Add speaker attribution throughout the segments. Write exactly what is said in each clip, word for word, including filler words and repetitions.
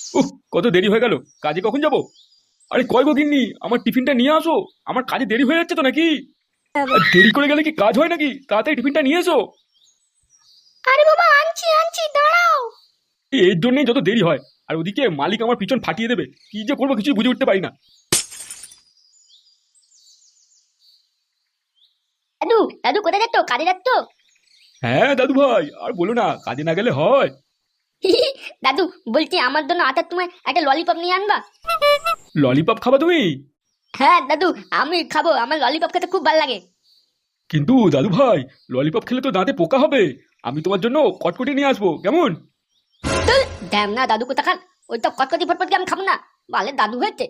Speaker 1: উহ, কত দেরি হয়ে গেল। কাজে কখন যাব? আরে কয় গো গিন্নি, আমার টিফিনটা নিয়ে আসো। আমার কাজে দেরি হয়ে যাচ্ছে তো নাকি? আর দেরি করে গেলে কি কাজ হয় নাকি? তাড়াতাড়ি টিফিনটা নিয়ে এসো।
Speaker 2: আরে বাবা, আনছি আনছি, দাঁড়াও।
Speaker 1: এর জন্যই যত দেরি হয়। আর ওদিকে মালিক আমার পিছন ফাটিয়ে দেবে, কি যে করবো কিছুই বুঝে উঠতে পারি না।
Speaker 2: দাদু দাদু কোথায় যাচ্ছ? কাজে যাচ্ছ?
Speaker 1: হ্যাঁ দাদু ভাই, আর বলো না, কাজে না গেলে হয়?
Speaker 2: দাদু, বলছি আমার জন্য আটার তোমায় একটা ললিপপ নিয়ে আনবা।
Speaker 1: ললিপপ খাবা তুমি?
Speaker 2: হ্যাঁ দাদু, আমি খাবো, আমার ললিপপ খেতে খুব ভালো লাগে।
Speaker 1: কিন্তু দাদু ভাই, ললিপপ খেলে তো দাঁতে পোকা হবে। আমি তোমার জন্য কটকটি নিয়ে আসবো, কেমন?
Speaker 2: ড্যাম না দাদু কোথাকার, ওই তো কটকটি ফটফটকে আমি খাবো না। বালে দাদু হয়েছে।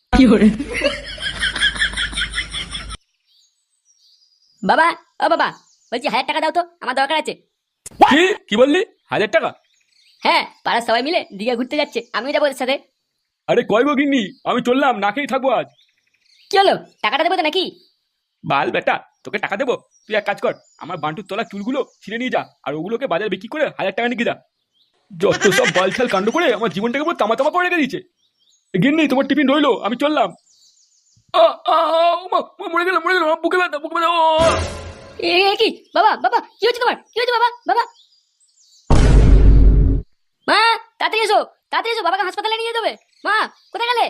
Speaker 2: বাবা, ও বাবা, বলছি হাজার টাকা দাও তো, আমার দরকার আছে।
Speaker 1: কি কি বললি? হাজার টাকা?
Speaker 2: হ্যাঁ, পাড়ার সবাই মিলে দীঘা ঘুরতে যাচ্ছে, আমিও যাবো ওদের সাথে।
Speaker 1: আরে কয় গো গিন্নি, আমি চললাম, না খেয়েই থাকবো আজ।
Speaker 2: কি হলো, টাকাটা দেবো তো নাকি?
Speaker 1: বাল বেটা, তোকে টাকা দেবো? তুই এক কাজ কর, আমার বান্টুর তলা চুলগুলো ছিঁড়ে নিয়ে যা, আর ওগুলোকে বাজারে বিক্রি করে হাজার টাকা নিয়ে যা। যত সব বালছাল কাণ্ড করে আমার জীবনটাকে পুরো তামা তামা করে রেখে দিয়েছে। গিন্নি, তোমার টিফিন রইলো, আমি চললাম। আ, আ, আ, ও মা, মা, মরে গেলাম মরে গেলাম, আমার বুকে ব্যথা, বুকে ব্যথা, ও, ও, ও।
Speaker 2: এ এ কি বাবা, বাবা কি হচ্ছে তোমার? কি হচ্ছে বাবা? বাবা, মা, তাড়াতাড়ি এসো, তাড়াতাড়ি এসো, বাবাকে হাসপাতালে নিয়ে যেতে হবে। মা, কোথায় গেলে?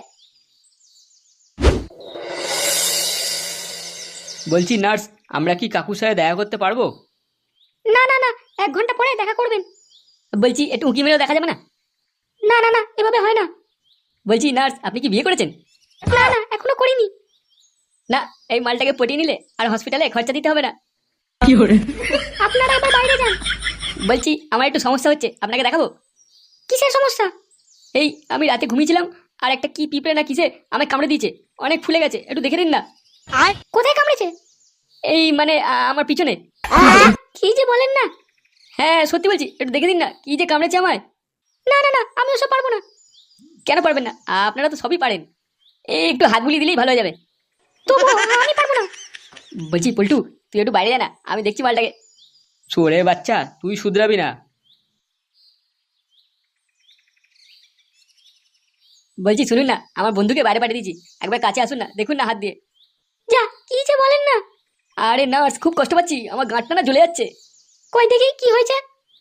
Speaker 3: বলছি নার্স, আমরা কি কাকুর সাথে দেখা করতে পারবো?
Speaker 2: না না না, এক ঘন্টা পরে দেখা করবেন। বলছি একটু উঁকি মেরেও দেখা যাবে না? না না না, এভাবে হয় না।
Speaker 3: বলছি নার্স, আপনি কি বিয়ে করেছেন?
Speaker 2: না না, এখনো করিনি।
Speaker 3: না, এই মালটাকে পটিয়ে নিলে আর হসপিটালে খরচা দিতে হবে না।
Speaker 2: আপনারা এবার বাইরে যান।
Speaker 3: বলছি আমার একটু সমস্যা হচ্ছে, আপনাকে দেখাবো?
Speaker 2: কিসের সমস্যা?
Speaker 3: এই আমি রাতে ঘুমিয়েছিলাম, আর একটা কি পিঁপড়ে না কিসে আমায় কামড়ে দিয়েছে, অনেক ফুলে গেছে, একটু দেখে দিন না।
Speaker 2: আর কোথায় কামড়েছে?
Speaker 3: এই মানে আ, আমার পিছনে।
Speaker 2: কি যে বলেন না।
Speaker 3: হ্যাঁ সত্যি বলছি, একটু দেখে দিন না, কি যে কামড়েছে আমায়।
Speaker 2: না না না, আমি ওসব পারবো না।
Speaker 3: কেন পারবেন না? আপনারা তো সবই পারেন। এই একটু হাত বুলিয়ে দিলেই ভালো হয়ে যাবে।
Speaker 2: তবু আমি পারবো না।
Speaker 3: বলছি পল্টু, তুই একটু বাইরে যা না, আমি দেখছি মালটাকে। চোরে বাচ্চা, তুই শুধরাবি না। বলছি শুনুন না, আমার বন্ধুকে বাইরে পাঠিয়ে দিয়েছি, একবার কাছে আসুন না, দেখুন না হাত দিয়ে।
Speaker 2: যা, কি যে বলেন না।
Speaker 3: আরে নার্স, খুব কষ্ট পাচ্ছি, আমার গাঁটটা না জ্বলে যাচ্ছে।
Speaker 2: কই দেখি কি হয়েছে।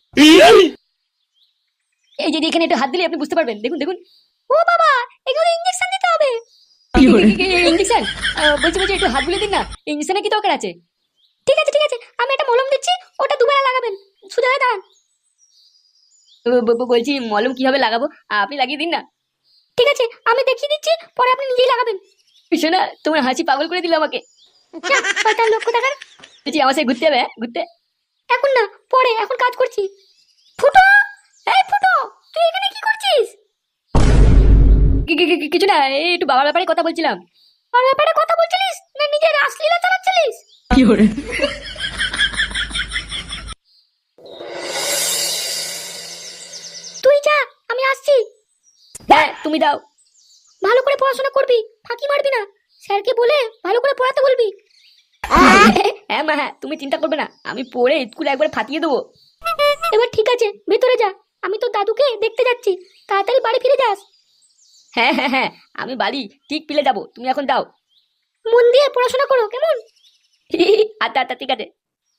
Speaker 3: এই যে এখানে একটু হাত দিলে আপনি বুঝতে পারবেন, দেখুন দেখুন।
Speaker 2: ও বাবা, এগুলো ইঞ্জেকশন দিতে হবে।
Speaker 3: ইঞ্জেকশন? বলছি বলছি একটু হাত বুলিয়ে দিন না, ইঞ্জেকশনে কি দরকার আছে?
Speaker 2: ঠিক আছে ঠিক আছে, আমি একটা মলম দিচ্ছি, ওটা দুবেলা লাগাবেন। সোজা হয়ে দাঁড়ান।
Speaker 3: ব- ব- ব- বলছি মলম কিভাবে লাগাবো, আপনি লাগিয়ে দিন না।
Speaker 2: ঠিক আছে, আমি দেখিয়ে দিচ্ছি, পরে আপনি নিজেই লাগাবেন।
Speaker 3: শোনা, তোমার হাসি পাগল করে দিল আমাকে।
Speaker 2: যা, শয়তান লক্ষ্য দেখার।
Speaker 3: বলছি আমার সাথে ঘুরতে যাবে? হ্যাঁ, ঘুরতে?
Speaker 2: এখন না, পরে, এখন কাজ করছি। ফুটো, এই ফুটো, তুই এখানে কি করছিস?
Speaker 3: কি- কি- কি- কিছু না, এই একটু বাবার ব্যাপারে কথা বলছিলাম।
Speaker 2: আর ব্যাপারে কথা বলছিলিস না নিজের রাসলীলা চালাচ্ছিলিস? তুই যা, আমি আসছি।
Speaker 3: হ্যাঁ তুমি দাও।
Speaker 2: ভালো করে পড়াশোনা করবি, ফাঁকি মারবি না। স্যারকে বলে ভালো করে পড়াতে বলবি।
Speaker 3: হ্যাঁ মা, হ্যাঁ তুমি চিন্তা করবে না, আমি পড়ে স্কুলে একবার ফাটিয়ে দেবো।
Speaker 2: এবার ঠিক আছে, ভেতরে যা। আমি তো দাদুকে দেখতে যাচ্ছি, তাড়াতাড়ি বাড়ি ফিরে যাস।
Speaker 3: হ্যাঁ হ্যাঁ হ্যাঁ, আমি বাড়ি ঠিক পিলে যাবো, তুমি এখন দাও।
Speaker 2: মন দিয়ে পড়াশোনা করো, কেমন?
Speaker 3: আচ্ছা আচ্ছা ঠিক আছে।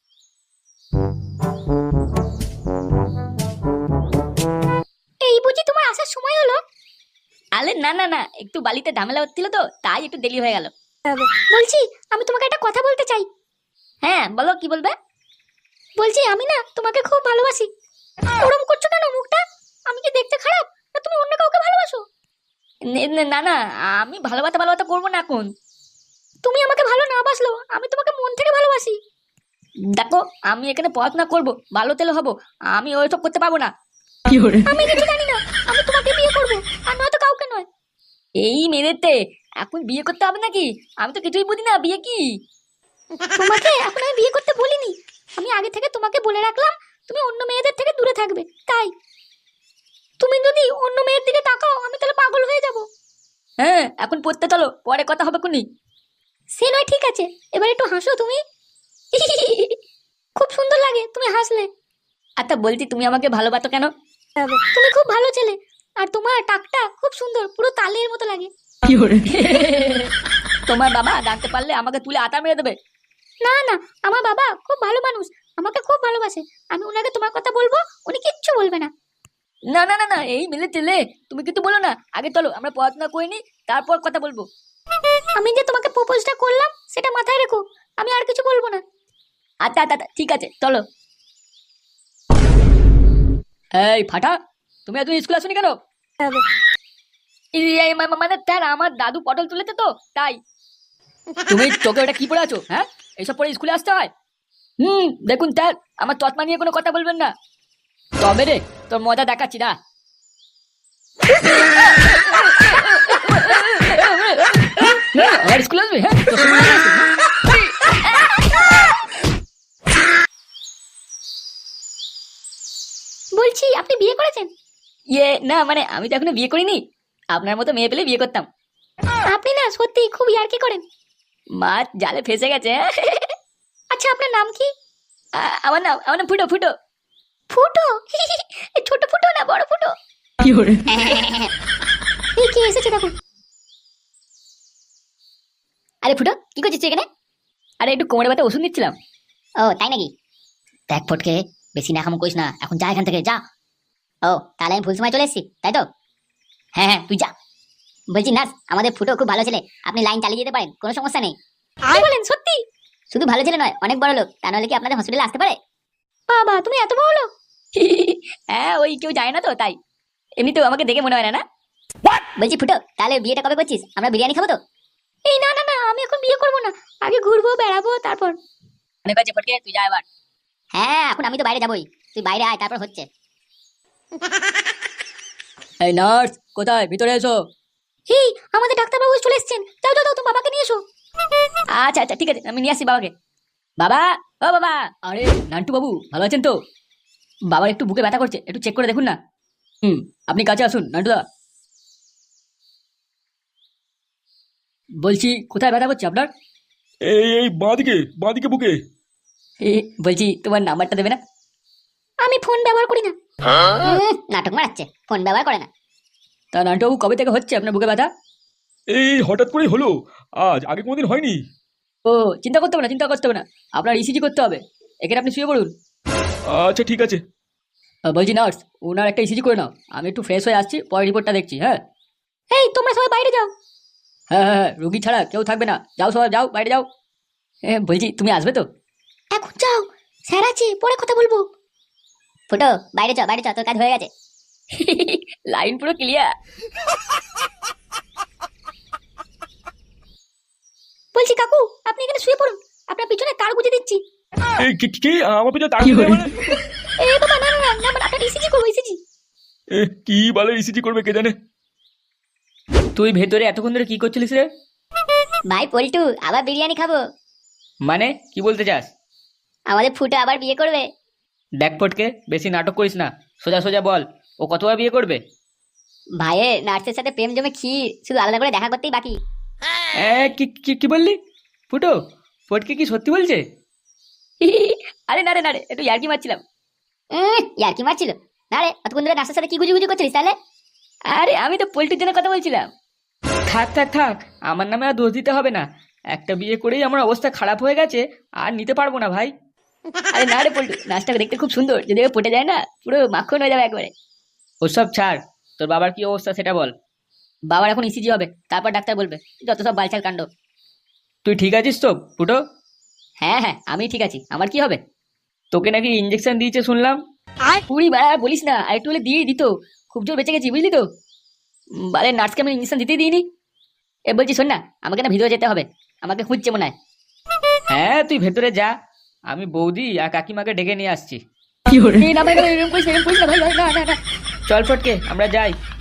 Speaker 2: এই বুঝি তোমার আসার সময় হলো?
Speaker 3: আরে না না না, একটু বালিতে ঝামেলা হচ্ছিল তো, তাই একটু দেরি হয়ে গেল।
Speaker 2: বলছি, আমি তোমাকে একটা কথা বলতে চাই।
Speaker 3: হ্যাঁ বলো, কি বলবে?
Speaker 2: বলছি আমি না তোমাকে খুব ভালোবাসি। ওরম করছো কেন মুখটা? আমি কি দেখতে খারাপ, না তুমি অন্য কাউকে ভালোবাসো?
Speaker 3: নে- নে- না না, আমি ভালোবাসা ভালোবাসা করবো না এখন।
Speaker 2: তুমি আমাকে ভালো না বাসলেও আমি তোমাকে মন থেকে ভালোবাসি।
Speaker 3: দেখো, আমি এখানে পড়াশোনা করবো, ভালো তেলে হবো, আমি ওইসব করতে পারবো না।
Speaker 2: আমি কিছু জানি না, আমি তোমাকে বিয়ে করবো, আর নয়তো কাউকে নয়।
Speaker 3: এই মেয়েতে এখন বিয়ে করতে হবে নাকি? আমি তো কিছুই বুঝি না, বিয়ে কি?
Speaker 2: তোমাকে এখন আমি বিয়ে করতে বলিনি, আমি আগে থেকে তোমাকে বলে রাখলাম তুমি অন্য মেয়েদের থেকে দূরে থাকবে, তাই। তুমি যদি অন্য মেয়ের দিকে তাকাও আমি তাহলে পাগল হয়ে যাব।
Speaker 3: হ্যাঁ এখন পড়তে চলো, পরে কথা হবে কোনি।
Speaker 2: সে নয়, ঠিক আছে, এবার একটু হাসো তুমি। খুব সুন্দর লাগে তুমি হাসলে।
Speaker 3: আচ্ছা বলছি, তুমি আমাকে ভালোবাসো কেন?
Speaker 2: তুমি খুব ভালো ছেলে, আর তোমার টাকটা খুব সুন্দর, পুরো তালের মতো লাগে।
Speaker 3: তোমার বাবা জানতে পারলে আমাকে তুলে আতা মেরে দেবে।
Speaker 2: না না, আমার বাবা খুব ভালো মানুষ, আমাকে খুব ভালোবাসে। আমি ওনাকে তোমার কথা বলবো, উনি কিচ্ছু বলবে না।
Speaker 3: না না না না, এই মিলে তেলে তুমি কিন্তু বলো না। আগে চলো আমরা পড়াশোনা করে নি, তারপর কথা বলবো।
Speaker 2: আমি যে তোমাকে প্রপোজটা করলাম সেটা মাথায় রেখো, আমি আর কিছু বলবো না।
Speaker 3: আচ্ছা আচ্ছা আচ্ছা, ঠিক আছে চলো। এই ফাটা, তুমি এত স্কুল আসোনি কেন? এই, এই, মা- মা- মানে স্যার আমার দাদু পটল তুলেছে তো তাই। তুমি চোখে ওটা কি পড়ে আছো? হ্যাঁ, এইসব পরে স্কুলে আসতে হয়? হুম, দেখুন স্যার, আমার চশমা নিয়ে কোনো কথা বলবেন না। তবে রে, তোর মজা দেখাচ্ছি না। আর স্কুল আসবে? হ্যাঁ, তোর সঙ্গে নিয়ে আসবি, হ্যাঁ?
Speaker 2: বলছি আপনি বিয়ে করেছেন?
Speaker 3: ইয়ে না, মানে আমি তো এখনো বিয়ে করিনি। আপনার মতো মেয়ে পেলে বিয়ে করতাম।
Speaker 2: আপনি না সত্যি খুব ইয়ার্কি করেন।
Speaker 3: মাছ জালে ফেসে গেছে। হ্যাঁ?
Speaker 2: আচ্ছা আপনার নাম কি?
Speaker 3: আ- আমার নাম আমার নাম ফুটো ফুটো।
Speaker 2: ফুটো? এই ছোট ফুটো না বড় ফুটো? এই কে এসেছে দেখো।
Speaker 3: আরে ফুটো, কি করছিস তুই এখানে? আরে একটু কোমরে ব্যথা ওষুধ নিচ্ছিলাম।
Speaker 4: ও তাই নাকি? দেখ ফটকে, বেশি নাকাম করিস না, এখন যা এখান থেকে যা। ও তাহলে আমি ভুল সময় চলে এসেছি তাই তো? হ্যাঁ হ্যাঁ তুই যা। বলছি নার্স, আমাদের ফুটো খুব ভালো ছেলে, আপনি লাইন চালিয়ে যেতে পারেন, কোনো সমস্যা নেই।
Speaker 2: কি বলেন সত্যি?
Speaker 4: শুধু ভালো ছেলে নয়, অনেক বড় লোক, তা নাহলে কি আপনাদের হসপিটালে আসতে পারে?
Speaker 2: বাবা তুমি এত বড় লোক।
Speaker 3: হ্যাঁ, ওই কেউ যায় না তো তাই। এমনিতেও আমাকে দেখে মনে হয় না। না
Speaker 4: বলছি ফুটো, তাহলে বিয়েটা কবে করছিস? আমরা বিরিয়ানি খাবো তো?
Speaker 2: এই না না না, আমি এখন বিয়ে করবো না, আগে ঘুরবো বেড়াবো তারপর।
Speaker 3: অনেক আছে ফটকে, তুই যা এবার।
Speaker 4: হ্যাঁ এখন আমি তো বাইরে যাবোই, তুই বাইরে আয়, তারপর হচ্ছে।
Speaker 3: এই নার্স, কোথায়? ভিতরে এসো।
Speaker 2: এই আমাদের ডাক্তারবাবু চলে এসেছেন, যাও যাও যাও, তুমি বাবাকে নিয়ে এসো।
Speaker 3: আচ্ছা আচ্ছা ঠিক আছে, আমি নিয়ে আসি বাবাকে। বাবা, ও বাবা। আরে নান্টু বাবু, ভালো আছেন তো? বাবার একটু বুকে ব্যথা করছে, একটু চেক করে দেখুন না। হুম, আপনি কাছে আসুন নান্টুদা। বলছি কোথায় ব্যথা করছে আপনার?
Speaker 1: এই এই বাঁদিকে বাঁদিকে বুকে।
Speaker 3: এ, বলছি তোমার নাম্বারটা দেবে না?
Speaker 2: আমি ফোন ব্যবহার করি না।
Speaker 4: উম, নাটক মারাচ্ছে, ফোন ব্যবহার করে না।
Speaker 3: তা নান্টু বাবু, কবে থেকে হচ্ছে আপনার বুকে ব্যথা?
Speaker 1: এই হঠাৎ করেই হলো, আজ আগে কোনোদিন হয়নি।
Speaker 3: ও, চিন্তা করতে হবে না, চিন্তা করতে হবে না। আপনার ইসিজি করতে হবে। এখানে আপনি শুয়ে পড়ুন।
Speaker 1: আচ্ছা ঠিক আছে।
Speaker 3: আহ, বলছি নার্স, ওনার একটা ইসিজি করে নাও। আমি একটু ফ্রেশ হয়ে আসছি, পরে রিপোর্টটা দেখছি। হ্যাঁ
Speaker 2: এই তোমরা সবাই বাইরে যাও।
Speaker 3: হ্যাঁ হ্যাঁ হ্যাঁ, রুগী ছাড়া কেউ থাকবে না। যাও সবাই, যাও বাইরে যাও। হ্যাঁ, বলছি তুমি আসবে তো?
Speaker 2: এখন যাও, স্যার আছে, পরে কথা বলবো।
Speaker 4: ফুটো বাইরে চ, বাইরে চ, তোর কাজ হয়ে গেছে।
Speaker 3: লাইন পুরো ক্লিয়ার।
Speaker 2: বলছি কাকু, আপনি এখানে শুয়ে পড়ুন, আপনার পিছনে তার গুঁজে দিচ্ছি।
Speaker 1: এই কি কি- কি আমার পিছনে তার দিলে মানে?
Speaker 2: এ বাবা না না না, না মানে আপনার ইসিজি করবো, ইসিজি।
Speaker 1: এ, কি বলে ইসিজি করবে কে জানে।
Speaker 3: তুই ভেতরে এতক্ষণ ধরে কি করছিলিস রে?
Speaker 4: ভাই পল্টু, আবার বিরিয়ানি খাবো।
Speaker 3: মানে কি বলতে চাস?
Speaker 4: আমাদের ফুটো আবার বিয়ে করবে।
Speaker 3: দেখ ফটকে, বেশি নাটক করিস না, সোজা সোজা বল, ও কতবার বিয়ে করবে?
Speaker 4: ভাইয়ের নার্সের সাথে প্রেম জমে ক্ষীর, শুধু আলাদা করে দেখা করতেই বাকি।
Speaker 3: এ, কি কি- কি বললি? ফুটো, ফটকে কি সত্যি বলছে? আরে না রে না রে, একটু ইয়ার্কি মারছিলাম।
Speaker 4: উম, ইয়ার কি মারছিল? না রে, অতক্ষণ ধরে নার্সের সাথে কি গুজি গুজি করছিলিস তাহলে?
Speaker 3: আরে আমি তো পোল্ট্রির জন্য কথা বলছিলাম। থাক থাক থাক, আমার নামে আর দোষ দিতে হবে না। একটা বিয়ে করেই আমার অবস্থা খারাপ হয়ে গেছে, আর নিতে পারবো না ভাই। আরে না রে পল্টু, নাচটা দেখতে খুব সুন্দর, যদি ও পটে যায় না পুরো মাখন হয়ে যাবে একবারে। ওসব ছাড়, তোর বাবার কি অবস্থা সেটা বল। বাবার এখন ইসিজি হবে, তারপর ডাক্তার বলবে, যত সব বালছাল কাণ্ড। তুই ঠিক আছিস তো ফুটো? হ্যাঁ হ্যাঁ, আমি ঠিক আছি। আমার কি হবে? তোকে নাকি ইঞ্জেকশন দিয়েছে শুনলাম। পুরি বাড়া আর বলিস না, আর একটু হলে দিয়ে দিত। খুব জোর বেঁচে গেছি বুঝলি তো। উম, বারে নার্সকে আমি ইঞ্জেকশন দিতেই দিইনি। এ বলছি শোন না, আমাকে না ভিতরে যেতে হবে, আমাকে খুঁজছে মনে হয়। হ্যাঁ তুই ভেতরে যা, আমি বৌদি আর কাকিমাকে ডেকে নিয়ে আসছি। এই না ভাই, ভাই, এরকম করিস না, এরকম করিস না ভাই, ভাই, না, না, না। চল ফটকে আমরা যাই।